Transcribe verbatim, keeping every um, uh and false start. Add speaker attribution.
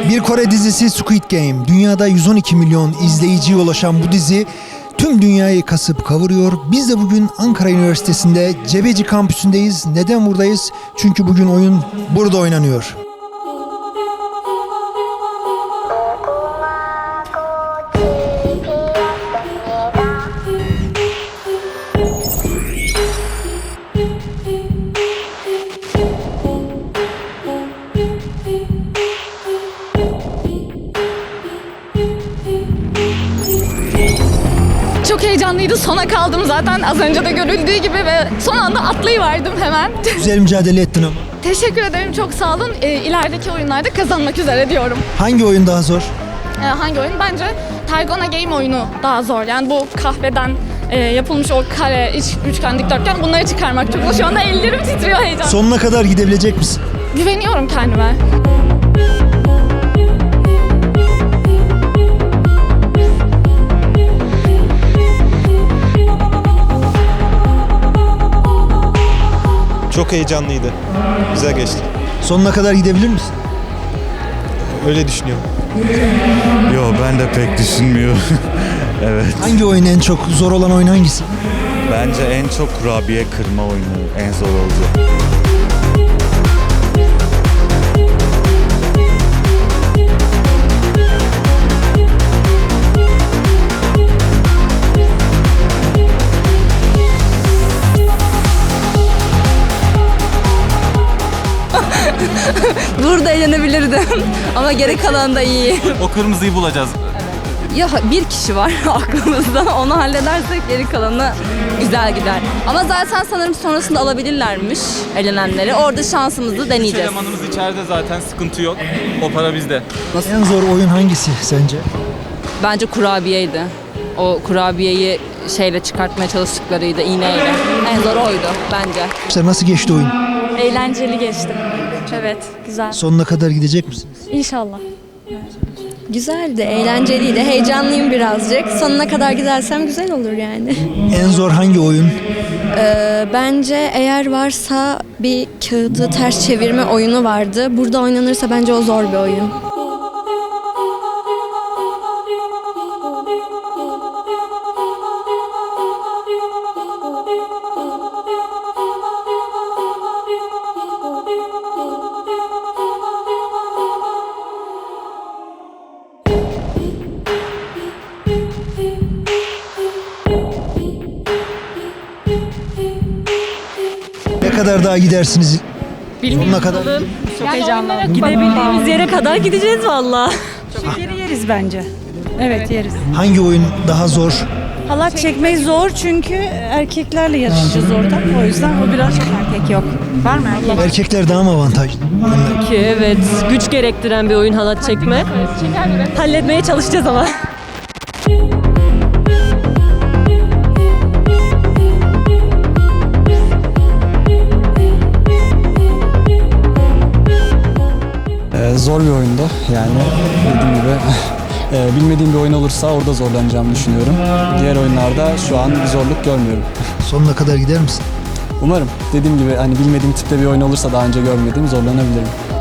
Speaker 1: Bir Kore dizisi Squid Game. Dünyada yüz on iki milyon izleyiciye ulaşan bu dizi tüm dünyayı kasıp kavuruyor. Biz de bugün Ankara Üniversitesi'nde Cebeci kampüsündeyiz. Neden buradayız? Çünkü bugün oyun burada oynanıyor.
Speaker 2: Çok heyecanlıydı. Sona kaldım zaten az önce de görüldüğü gibi ve son anda atlayıverdim hemen.
Speaker 1: Güzel mücadele ettin ama.
Speaker 2: Teşekkür ederim. Çok sağ olun. E, ilerideki oyunlarda kazanmak üzere diyorum.
Speaker 1: Hangi oyun daha zor?
Speaker 2: E, hangi oyun? Bence Tergona Game oyunu daha zor. Yani bu kahveden e, yapılmış o kare, iç, üçgen, dikdörtgen bunları çıkarmak çok zor. Şu anda ellerim titriyor heyecan.
Speaker 1: Sonuna kadar gidebilecek misin?
Speaker 2: Güveniyorum kendime.
Speaker 3: Çok heyecanlıydı. Güzel geçti.
Speaker 1: Sonuna kadar gidebilir misin?
Speaker 3: Öyle düşünüyorum.
Speaker 4: Yo, ben de pek düşünmüyorum. Evet.
Speaker 1: Hangi oyun en çok zor olan oyun hangisi?
Speaker 4: Bence en çok kurabiye kırma oyunu en zor oldu.
Speaker 5: Burada eğlenebilirdim ama geri kalan da iyi.
Speaker 6: O kırmızıyı bulacağız.
Speaker 5: Ya bir kişi var aklımızda, onu halledersek geri kalanı güzel gider. Ama zaten sanırım sonrasında alabilirlermiş elenenleri. Orada şansımızı
Speaker 6: Üç
Speaker 5: deneyeceğiz.
Speaker 6: elemanımız içeride zaten, sıkıntı yok. O para bizde.
Speaker 1: En zor oyun hangisi sence?
Speaker 5: Bence kurabiyeydi. O kurabiyeyi şeyle çıkartmaya çalıştıklarıydı, iğneyle. En zor oydu bence.
Speaker 1: İşte nasıl geçti oyun?
Speaker 2: Eğlenceli geçti. Evet, güzel.
Speaker 1: Sonuna kadar gidecek misiniz?
Speaker 2: İnşallah.
Speaker 7: Güzeldi, eğlenceliydi. Heyecanlıyım birazcık. Sonuna kadar gidersem güzel olur yani.
Speaker 1: En zor hangi oyun?
Speaker 7: Ee, bence eğer varsa bir kağıdı ters çevirme oyunu vardı. Burada oynanırsa bence o zor bir oyun.
Speaker 1: Ne kadar daha gidersiniz? Sonuna kadar.
Speaker 2: Çok heyecanlı.
Speaker 8: Gidebildiğimiz yere kadar gideceğiz valla. Şekeri yeriz bence. Evet yeriz.
Speaker 1: Hangi oyun daha zor?
Speaker 8: Halat çekmeyi zor çünkü erkeklerle yarışacağız orada. O yüzden o biraz erkek yok. Var mı erkek?
Speaker 1: Erkekler daha mı avantajlı?
Speaker 8: Ki evet, güç gerektiren bir oyun halat çekme. Halletmeye çalışacağız ama.
Speaker 9: Ee, zor bir oyundu yani dediğim gibi e, bilmediğim bir oyun olursa orada zorlanacağımı düşünüyorum. Diğer oyunlarda şu an bir zorluk görmüyorum.
Speaker 1: Sonuna kadar gider misin?
Speaker 9: Umarım dediğim gibi hani bilmediğim tipte bir oyun olursa daha önce görmediğim zorlanabilirim.